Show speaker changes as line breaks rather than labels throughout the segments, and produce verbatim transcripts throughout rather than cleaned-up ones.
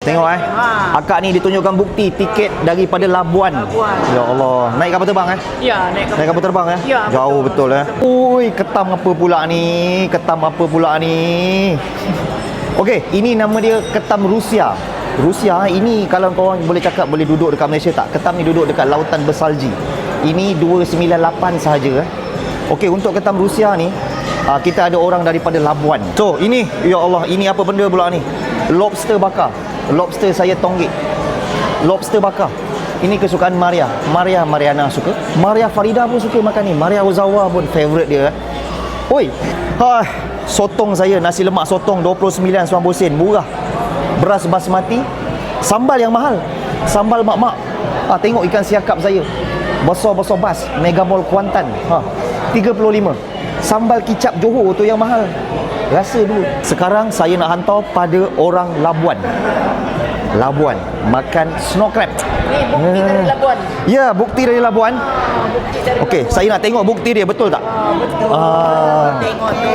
Tengok eh.
Ha.
Akak ni ditunjukkan bukti tiket daripada Labuan.
Labuan.
Ya Allah. Naik kapal terbang eh?
Ya, naik kapal,
Naik kapal terbang eh?
Ya,
Jauh betul, betul eh. Ui, ketam apa pula ni? Ketam apa pula ni? Okey, ini nama dia ketam Rusia. Rusia ini kalau korang boleh cakap boleh duduk dekat Malaysia tak? Ketam ni duduk dekat lautan bersalji. Ini dua sembilan lapan sahaja eh. Okey, untuk ketam Rusia ni uh, kita ada orang daripada Labuan. So, ini ya Allah, ini apa benda pula ni? Lobster bakar. Lobster saya tonggik. Lobster bakar. Ini kesukaan Maria. Maria Mariana suka. Maria Farida pun suka makan ni. Maria Ozawa pun favorite dia. Oi. Ha, sotong saya, nasi lemak sotong dua puluh sembilan sembilan puluh sen, murah. Beras basmati, sambal yang mahal. Sambal mak-mak. Ha, tengok ikan siakap saya. Besar-besar bas, Mega Mall Kuantan. Ha, tiga puluh lima. Sambal kicap Johor tu yang mahal. Rasa dulu. Sekarang saya nak hantar pada orang Labuan. Labuan makan snow crab.
Ni bukti dari Labuan.
Ya, bukti dari Labuan.
Ah, bukti dari
Okey, saya nak tengok bukti dia, betul tak?
Ah, betul.
Ah.
Tengok tu.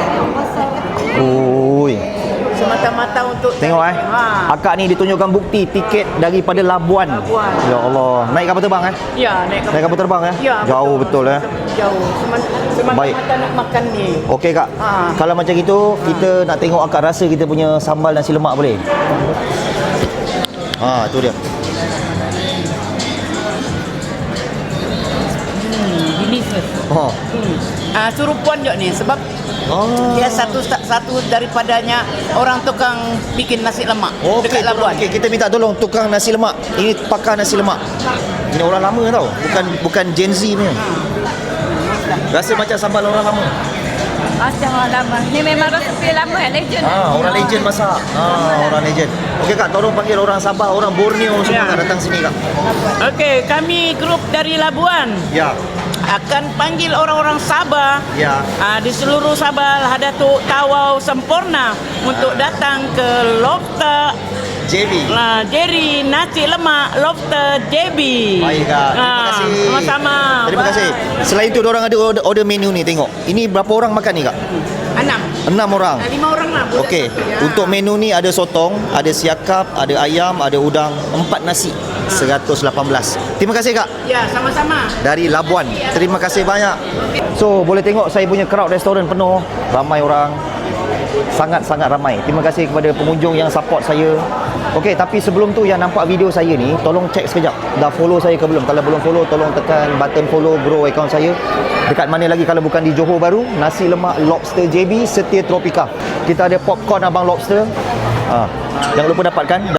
Ui.
Semata-mata untuk
Tengok eh.
Ha.
Akak ni ditunjukkan bukti tiket daripada Labuan.
Labuan.
Ya Allah. Naik kapal terbang eh?
Ya, naik kapal.
Naik kapal terbang eh?
Ya,
Jauh betul eh.
Jauh. Semata-
Baik.
Semata-mata nak makan ni.
Okey kak.
Ha.
Kalau macam itu, kita nak tengok akak rasa kita punya sambal nasi lemak boleh? Ha, tu dia.
Hmm, delicious.
Ha.
Hmm. Ah, suruh puan jok ni sebab
Oh.
dia satu satu daripadanya orang tukang bikin nasi lemak
Okey,
dekat Labuan.
Okey, kita minta tolong tukang nasi lemak. Ini pakar nasi lemak. Ini orang lama tau. Bukan bukan Gen Z ni. Rasa macam sambal orang lama.
Macam orang lama. Ni memang resepi lama, legend.
Ah, orang legend masak. Ah, orang legend. Okey kak, tolong panggil orang Sabah, orang Borneo semua
Ya.
kak datang sini kak.
Okey, kami grup dari Labuan
Ya.
akan panggil orang-orang Sabah
Ya.
uh, di seluruh Sabah Hadatuk Tawau Sempurna untuk datang ke Lobster
J B.
uh, Jerry nasi lemak Lobster J B.
Baik kak. Terima
Ah,
kasih.
Sama-sama.
Terima
Bye.
kasih. Selain itu orang ada order, order menu ni, tengok. Ini berapa orang makan ni kak?
Enam.
Enam orang.
Ah, Lima orang lah. budak
Okey,
satu, ya.
untuk menu ni ada sotong, ada siakap, ada ayam, ada udang, empat nasi, seratus lapan belas. Terima kasih kak.
Ya, sama-sama.
Dari Labuan. Terima kasih banyak. So, boleh tengok saya punya crowd restoran penuh. Ramai orang. Sangat-sangat ramai. Terima kasih kepada pengunjung yang support saya. Okey, tapi sebelum tu yang nampak video saya ni, tolong cek sekejap. Dah follow saya ke belum? Kalau belum follow, tolong tekan button follow, grow account saya. Dekat mana lagi kalau bukan di Johor Bahru? Nasi lemak Lobster J B Setia Tropika. Kita ada popcorn Abang Lobster. Ha, jangan lupa dapatkan.